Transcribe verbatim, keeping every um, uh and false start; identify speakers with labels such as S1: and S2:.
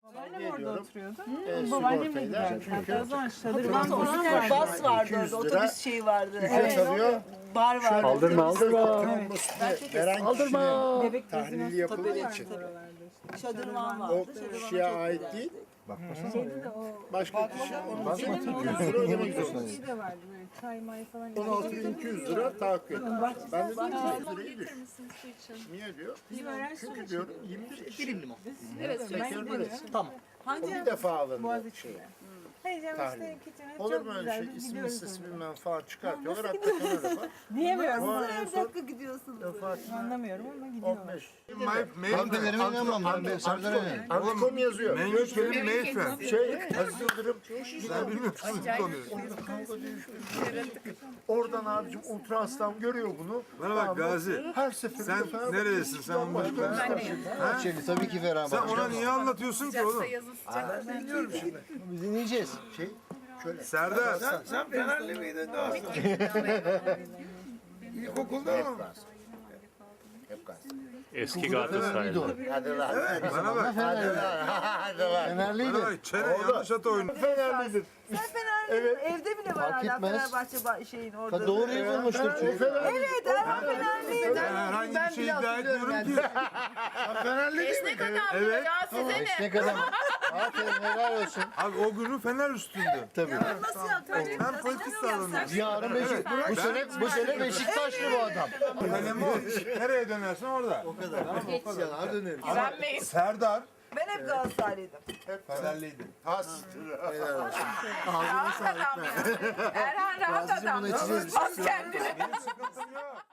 S1: Annem orada oturuyordu.
S2: E,
S1: Babaannemle
S2: sigortayla.
S1: giderdik.
S2: Çünkü
S1: Hatta o zaman şadırvan
S3: Otobüs
S1: falan
S3: vardı,
S1: vardı.
S3: bas vardı
S2: iki yüz
S3: orada,
S2: lira
S3: otobüs şeyi vardı.
S2: ücret alıyor.
S3: Bar vardı.
S4: Aldırma aldırma.
S2: Veren
S4: Aldırma.
S1: Bebek
S2: tahlili
S1: bezine
S2: yapıldığı
S1: tabii
S2: için.
S3: Şadırvan
S2: O
S3: vardı. Şadırvana
S2: kişiye
S3: çok
S2: ait
S3: giderdi.
S2: değil.
S1: Şeyde de o
S2: Başka kişi onun için iki yüz lira ödemek zorunda.
S1: şey de vardı böyle çay may falan.
S2: on altı bin iki yüz lira tahakkuk ediyor. Ben de dedim iki yüz lirayı düş. Niye diyor? Çünkü diyor yirmi beş
S5: Dilim limon.
S1: Evet ben gidiyorum.
S5: Tamam.
S2: bir defa alındı
S1: Boğaziçi'de.
S2: şey.
S1: Hayır canım
S2: Tahlil.
S1: işte kitchen
S2: Olur
S1: çok
S2: mu öyle
S1: güzel.
S2: şey?
S1: Biz
S2: İsim
S1: gidiyoruz
S2: listesi
S1: orada.
S2: bilmem falan çıkartıyorlar. Hatta kenara bak.
S1: Diyemiyorum.
S2: Ama en
S3: Her
S2: son
S3: dakika gidiyorsunuz.
S1: Anlamıyorum ama gidiyorum.
S2: on beş.
S6: Kahvelerime inanmam ben. Ben Serdar'a inanıyorum.
S2: Antikom yazıyor.
S7: Menüsleri Mayfen.
S2: Şey, Aziz Yıldırım
S7: Sen bilmiyor musun bu konuyu?
S2: oradan abicim ultraslam görüyor bunu.
S7: Bana bak Gazi.
S2: Her seferinde
S7: Sen
S2: Fenerbahçe
S7: neredesin? Sen onu
S2: başka bir şey.
S6: Bahçeli tabii ki
S7: Sen
S6: Fenerbahçe.
S7: ona niye anlatıyorsun ki oğlum?
S6: Biz dinleyeceğiz.
S2: Şey, şöyle.
S7: Serdar.
S8: Sen Fenerli miydin daha sonra? İlkokulda mı?
S2: Hep gaz.
S4: Eski Galatasaraylı.
S2: Hadi lan.
S7: Bana bak.
S2: Hadi lan. Hadi lan.
S6: Fenerliydi.
S7: Bana bak. Çene yanlış ata oyunu.
S2: Fenerlidir.
S3: Sen Fenerli, evde bile var
S6: Fark
S3: hala
S6: etmez.
S3: Fenerbahçe ba- şeyin orada.
S6: Ha, doğruyu bulmuştur çünkü.
S3: Evet, Erhan Fenerliydi.
S7: Ben herhangi bir şey iddia etmiyorum ki.
S2: Fenerli değil mi?
S7: Evet.
S6: Ne kadar. Aferin helal olsun.
S7: Abi o günü Fener üstündü.
S6: Tabii.
S3: Nasıl yaptın?
S7: Ben politik sağlanıyorum.
S6: Yarın Beşik. Bu sene, bu sene Beşiktaşlı bu adam.
S7: Kalem o. Nereye dönersin orada.
S6: Yanar döneriz.
S7: Serdar.
S3: Ben hep Galatasaraylıydım.
S7: Fenerliydi.
S2: Has.
S9: Erhan rahat adam.
S6: Bunu içeceğiz.
S9: Bas kendini.
S7: Benim sıkıntım yok.